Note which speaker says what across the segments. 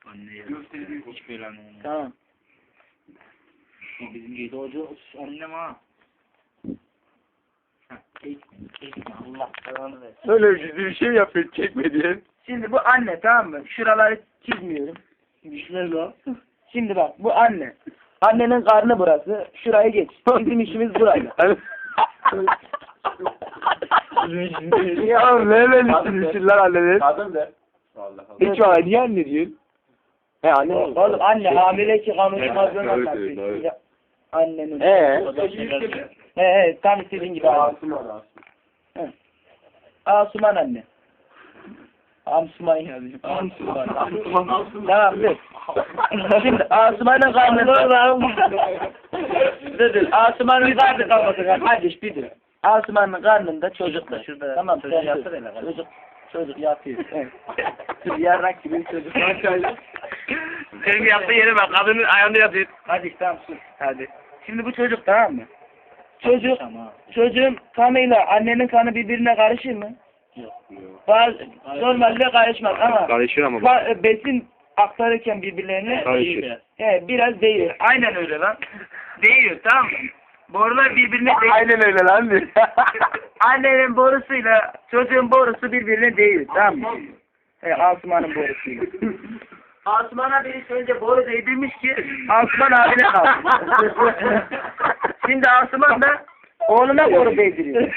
Speaker 1: Anne ya. Hiç belanı olmaz.
Speaker 2: Tamam.
Speaker 1: O bizim doğru annem ha. Çekme Allah belanı versin.
Speaker 3: Öyle bir şey yapıyor çekme diye.
Speaker 2: Şimdi bu anne, tamam mı? Şuraları çizmiyorum.
Speaker 1: Düşmez o.
Speaker 2: Şimdi bak, bu anne. Annenin karnı burası. Şurayı geç. Bizim işimiz burayla.
Speaker 3: Ya ne böyle işler annenin?
Speaker 4: Kadın de. Allah Allah.
Speaker 3: Hiç var niye anne diyorsun? He anne.
Speaker 2: Oğlum anne hamile ki konuşmazlığına
Speaker 3: Evet,
Speaker 2: kalkıyor.
Speaker 3: evet.
Speaker 2: Ya, annenin. Tam istediğin gibi.
Speaker 4: Asuman.
Speaker 2: He. Asuman anne. Asuman yazıyor. Asuman. Tamam dur. Şimdi Asuman'ın karnında dur. Asuman'ın karnında kardeş bir dur. Asuman'ın karnında çocuk da.
Speaker 1: Şurada
Speaker 2: Tamam
Speaker 1: çocuğu
Speaker 2: sen
Speaker 1: yapsana
Speaker 2: dur.
Speaker 1: hele kardeşim.
Speaker 2: Çocuk yatıyor. Evet. Yarrak gibi bir çocuk.
Speaker 1: Senin yaptığı yere bak. Kadının ayağında yatıyor.
Speaker 2: Hadi tamam sus. Hadi. Şimdi bu çocuk, tamam mı? Çocuk,
Speaker 1: Tamam.
Speaker 2: çocuğun kanıyla annenin kanı birbirine karışır mı?
Speaker 1: Yok.
Speaker 2: Bazı normalde karışmaz ama
Speaker 3: Karışır ama.
Speaker 2: besin aktarırken birbirlerine
Speaker 3: Karışır.
Speaker 2: biraz değiyor. Aynen öyle lan. Değiyor, tamam mı? Borular birbirine değiyor.
Speaker 3: Aynen öyle lan diyor.
Speaker 2: Annenin borusuyla çocuğun borusu birbirine değiyor, tamam mı? Asuman'ın borusuyla. Asuman'a birisi önce boru değdirmiş ki Asuman abine kalsın. Şimdi Asuman da oğluna boru değdiriyor.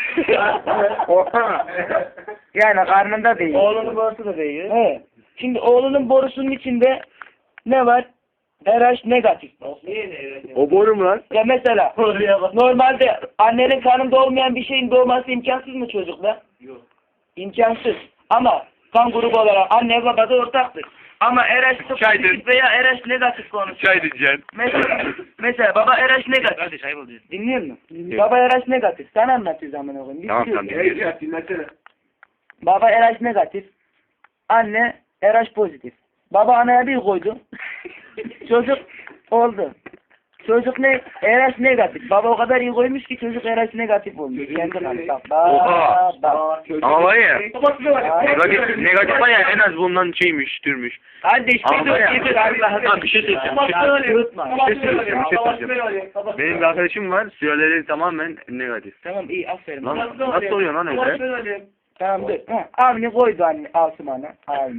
Speaker 2: Yani karnında değil.
Speaker 1: Oğlunun borusu da değiyor.
Speaker 2: Evet. Şimdi oğlunun borusunun içinde ne var? RH negatif.
Speaker 3: O boru mu lan?
Speaker 2: Ya mesela normalde annenin karnında olmayan bir şeyin doğması imkansız mı çocuklar?
Speaker 1: Yok.
Speaker 2: İmkansız. Ama kan grubu olarak anne baba da ortaktır. Ama RH
Speaker 3: Çaydır.
Speaker 2: pozitif veya RH negatif konusu.
Speaker 3: Çay diyeceksin.
Speaker 2: Mesela baba RH negatif.
Speaker 1: Kardeş ayıp oluyor.
Speaker 2: Dinliyor musun? Baba RH negatif. Sen anlatıyorsun zaman oğlum.
Speaker 3: Tamam,
Speaker 2: Bitiyor.
Speaker 3: tamam.
Speaker 4: Dinlesene.
Speaker 2: Baba RH negatif. Anne RH pozitif. Baba anaya bir koydu. Çocuk oldu. Çocuk ne? RH negatif. Baba o kadar iyi koymuş ki çocuk RH negatif olmuş. Kendi kanı.
Speaker 3: Oha.
Speaker 2: Bak.
Speaker 3: Ama var ya.
Speaker 2: Ay.
Speaker 3: Negatif var ya en az bundan şeymiş, türmüş.
Speaker 2: Kardeş
Speaker 3: Ama
Speaker 2: bir dur.
Speaker 3: ya.
Speaker 2: Bir dur. Allah'ım.
Speaker 3: Tamam, bir şey söyleyeceğim.
Speaker 2: Unutma.
Speaker 3: Bir şey söyleyeceğim. Benim bir arkadaşım var, süreleri tamamen negatif.
Speaker 2: Tamam iyi aferin.
Speaker 3: Lan nasıl oluyor lan öyle?
Speaker 2: Tamam dur. Avni koydu anne Asuman'a.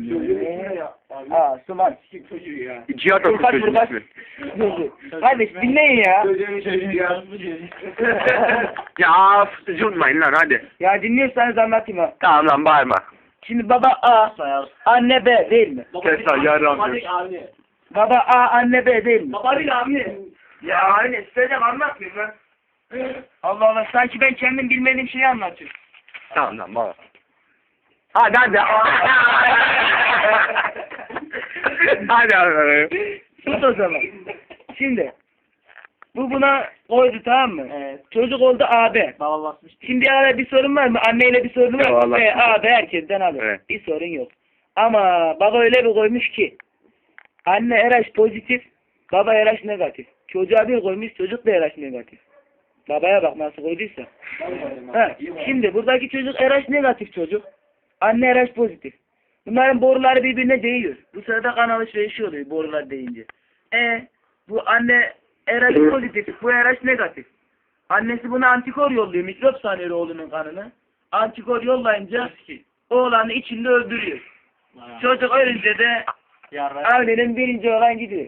Speaker 2: Asuman.
Speaker 3: Cihat Akıl
Speaker 2: Furkan,
Speaker 3: çocuğun
Speaker 2: Furkan.
Speaker 3: ismi.
Speaker 2: Kardeş dinleyin ya.
Speaker 3: Ya üzülmeyin lan hadi.
Speaker 2: Ya dinliyorsanız anlatayım ha.
Speaker 3: Tamam lan bağırma.
Speaker 2: Şimdi baba A, anne B değil mi?
Speaker 3: Kes lan yarram diyor.
Speaker 2: Baba A, anne B değil mi?
Speaker 4: Baba değil abi.
Speaker 2: Ya anne söyleyeceğim anlatmıyorum lan. Allah Allah sanki ben kendim bilmediğim şeyi anlatıyorum.
Speaker 3: Tamam lan bağır. Hadi hadi. Hadi hadi.
Speaker 2: Sus o zaman. Şimdi bu buna koydu tamam mı?
Speaker 1: Evet.
Speaker 2: Çocuk oldu AB.
Speaker 1: Baba basmış.
Speaker 2: Şimdi arada bir sorun var mı? Anneyle bir sorun var
Speaker 3: Yok,
Speaker 2: mı?
Speaker 3: Allah.
Speaker 2: AB herkesten alır.
Speaker 3: Evet.
Speaker 2: Bir sorun yok. Ama baba öyle bir koymuş ki anne RH pozitif, baba RH negatif. Çocuğa bir koymuş, çocuk da RH negatif. Babaya bak nasıl koyduysa. Ha, şimdi buradaki çocuk RH negatif çocuk. Anne RH pozitif. Bunların boruları birbirine değiyor. Bu sırada kan alışverişi oluyor borular değince. Bu anne RH pozitif, bu RH negatif. Annesi buna antikor yolluyor. Mikrop sanıyor oğlunun kanını. Antikor yollayınca oğlanı içinde öldürüyor. Çocuk ölünce de ailenin birinci olan gidiyor.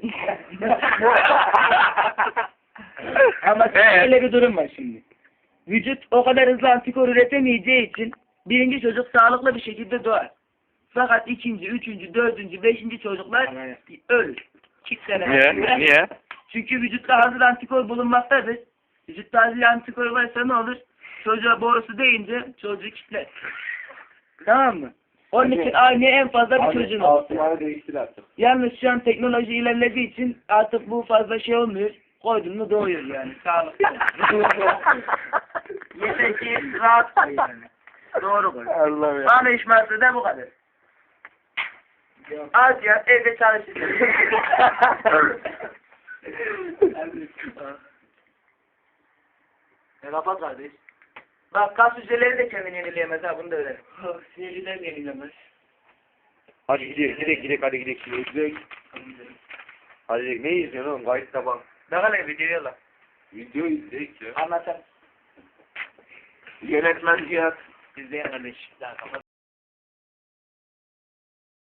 Speaker 2: Ama öyle bir durum var şimdi. Vücut o kadar hızlı antikor üretemeyeceği için birinci çocuk sağlıklı bir şekilde doğar. Fakat ikinci, üçüncü, dördüncü, beşinci çocuklar ölür. 2 sene.
Speaker 3: Niye?
Speaker 2: Çünkü vücutta hazır antikor bulunmaktadır. Vücutta hazır antikor varsa ne olur? Çocuğa borusu değince çocuğu kitler. Tamam mı? Onun için aynı en fazla bir çocuğun olur.
Speaker 4: Asuman'ı değiştir artık.
Speaker 2: Yalnız şu an teknoloji ilerlediği için artık bu fazla şey olmuyor. Koydun mu doğuyor yani. Sağlıklı. Yeter ki rahat koy yani. Doğru koy.
Speaker 3: Allah ya.
Speaker 2: Bana işmezse de bu kadar. Az ya evde çalışacağız. Kapat kardeş. Bak kas hücreleri de kendini yenileyemez ha bunu da öğren.
Speaker 1: Sinirliler yenilemez.
Speaker 3: Hadi gidelim hadi gidelim. Hadi ne izliyorsun oğlum? Kayıtta bak.
Speaker 2: Ne kadar videoya lan.
Speaker 4: Video izleyik ya.
Speaker 2: Anlatan.
Speaker 3: Yönetmen Cihat.
Speaker 2: İzleyen kardeş. Daha kapat.